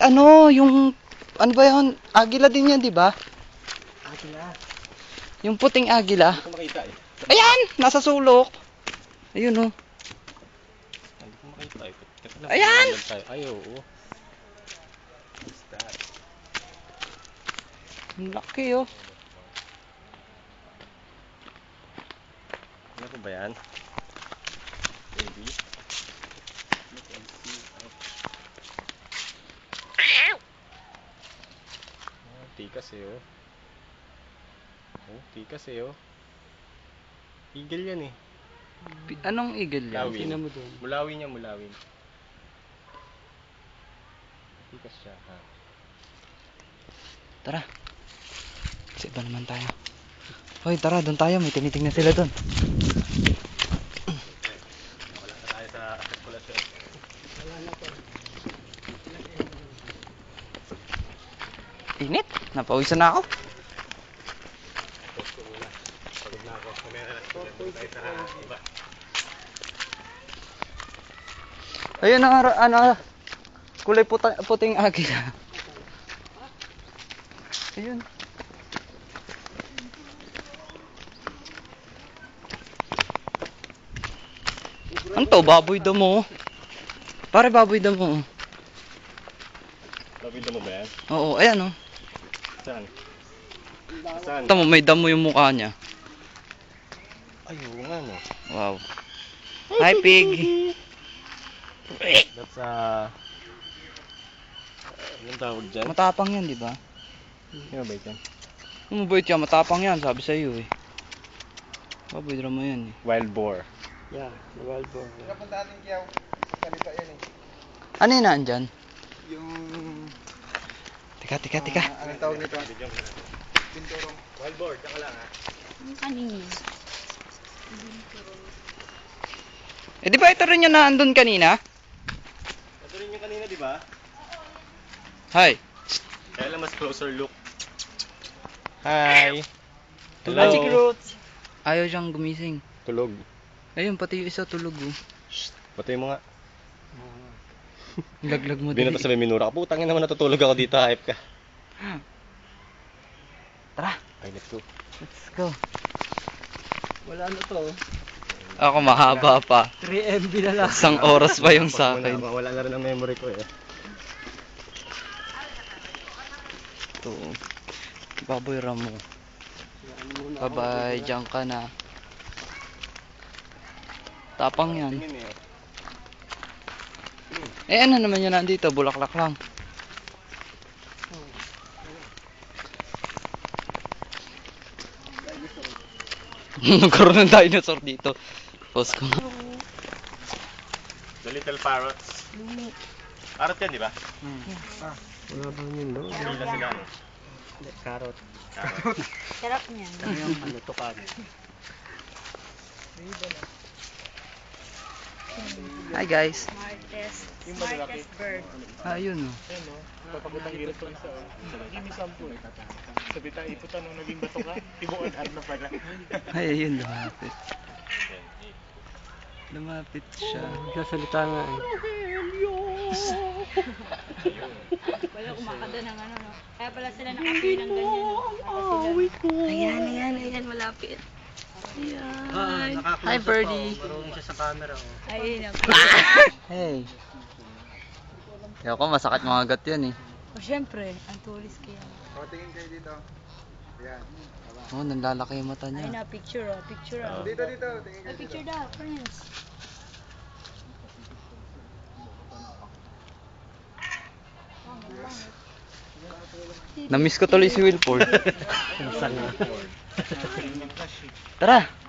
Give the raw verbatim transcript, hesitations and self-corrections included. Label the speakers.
Speaker 1: Ano, yung, ano ba yun? Agila din yan, di ba?
Speaker 2: Agila.
Speaker 1: Yung puting agila.
Speaker 2: Hindi ko makita eh.
Speaker 1: Ayan! Nasa sulok. Ayun, oh.
Speaker 2: Hindi ko makita eh. Teka lang,
Speaker 1: Ayan!
Speaker 2: pag tayo. Ay, oo. What's that?
Speaker 1: Ang laki, oh.
Speaker 2: Ano ko ba yan? Baby? Look and see. Oh, tikas eh, oh. Oh, tikas eh, oh. Eagle yan eh.
Speaker 1: Pi- Anong eagle yan?
Speaker 2: Mulawin.
Speaker 1: Tingnan mo doon.
Speaker 2: Mulawin niya, mulawin. Tikas siya, ha?
Speaker 1: Tara. Sa iba naman tayo. Hoy, tara, doon tayo. May tinitingnan sila doon.
Speaker 2: Wala na tayo sa sirkulasyon. Wala na po.
Speaker 1: Init. Napawisan na ako.
Speaker 2: Post ko muna. Pagod na ako. Kumera na tayo sa iba.
Speaker 1: Ayun ang ara- ano, kulay puta, puting agila. Ayun. Ano to? Baboy damo. Pare baboy damo.
Speaker 2: Labid mo ba yan?
Speaker 1: Oo, ayan oh.
Speaker 2: Saan? Saan?
Speaker 1: Tama, may damo yung mukha niya.
Speaker 2: Ay, oo nga no.
Speaker 1: Wow. Hi pig.
Speaker 2: That's uh... anong tawag dyan?
Speaker 1: Matapang yan, di ba?
Speaker 2: Sino ba yan?
Speaker 1: Mabait yan, matapang yan, sabi sa iyo eh. Baboy drama yan eh.
Speaker 2: Wild boar.
Speaker 3: Yeah, the wild boar.
Speaker 4: Napunta natin kiyaw. Salita yan eh.
Speaker 1: Ano yun naandyan?
Speaker 4: Yung...
Speaker 1: Teka, teka, teka.
Speaker 4: Uh, anong tawag nito? Binturong.
Speaker 2: Wild boar, tsaka lang ha.
Speaker 5: Yung kanina.
Speaker 1: Eh di ba ito rin yung naandun kanina?
Speaker 2: Ito rin yung kanina, di ba?
Speaker 1: Hi.
Speaker 2: Kaya lang mas closer look. Hi!
Speaker 1: Magic
Speaker 2: Hello!
Speaker 1: Ayaw siyang gumising.
Speaker 2: Tulog.
Speaker 1: Ayun, pati yung isa tulog oh.
Speaker 2: Patay mo nga.
Speaker 1: Laglag mo
Speaker 2: Hindi na
Speaker 1: din.
Speaker 2: to sa may minura ka. Putangin naman natutulog ako dito. Hype ka.
Speaker 1: Tara,
Speaker 2: Ay, let's go.
Speaker 1: let's go.
Speaker 3: Wala na to.
Speaker 1: Ako mahaba pa.
Speaker 3: three M B na lang.
Speaker 1: Isang oras pa yung sa
Speaker 2: Pag muna,
Speaker 1: akin.
Speaker 2: mawala na rin ang memory ko eh.
Speaker 1: Ito. Baboy ramo. Bye-bye, diyan ka na. Tapang yan.
Speaker 2: Tingin eh.
Speaker 1: Eh ano naman yan nandito? Bulaklak lang. Nagkaroon ng dinosaur dito. Post ko.
Speaker 2: The little parrots. Parrot yan, di ba?
Speaker 3: Wala bang yun, no?
Speaker 2: Sila sila. no?
Speaker 3: Carrot.
Speaker 2: Parrot.
Speaker 5: Sarap niyan.
Speaker 3: Yung ano, tukan.
Speaker 1: Hi guys.
Speaker 5: Smartest. Smartest bird.
Speaker 1: Ah, yun oh.
Speaker 6: Papagutang hirap ko isa oh. Hindi sampu eh. Sabi tayo iputan nung naging bato ka, tibuan ar na pala.
Speaker 1: Ay, ayun, lumapit. Lumapit siya.
Speaker 3: Nagsasalita nga eh.
Speaker 5: Wala kumakanta ng ano, no? Kaya pala sila nakapay ng ganyan, no? Para sila. Ayan, ayan, ayan, malapit. Ayan.
Speaker 1: Hi, birdie.
Speaker 3: Marunong siya sa camera, oh.
Speaker 5: Ayun, ako.
Speaker 1: Hey. Ayaw ko, masakit mga agat yan eh.
Speaker 5: O, syempre, ang tulis kaya.
Speaker 4: O, tingin kayo dito. Ayan.
Speaker 1: Oh, nanlalaki yung mata
Speaker 5: Ayun
Speaker 1: niya.
Speaker 5: na, picture, oh. Picture, oh.
Speaker 4: Dito, dito. Tingin
Speaker 5: Ay,
Speaker 4: kayo dito.
Speaker 5: picture daw, friends.
Speaker 1: Namiss ko tuloy si Wilford.
Speaker 3: Minsan nga.
Speaker 1: Tara.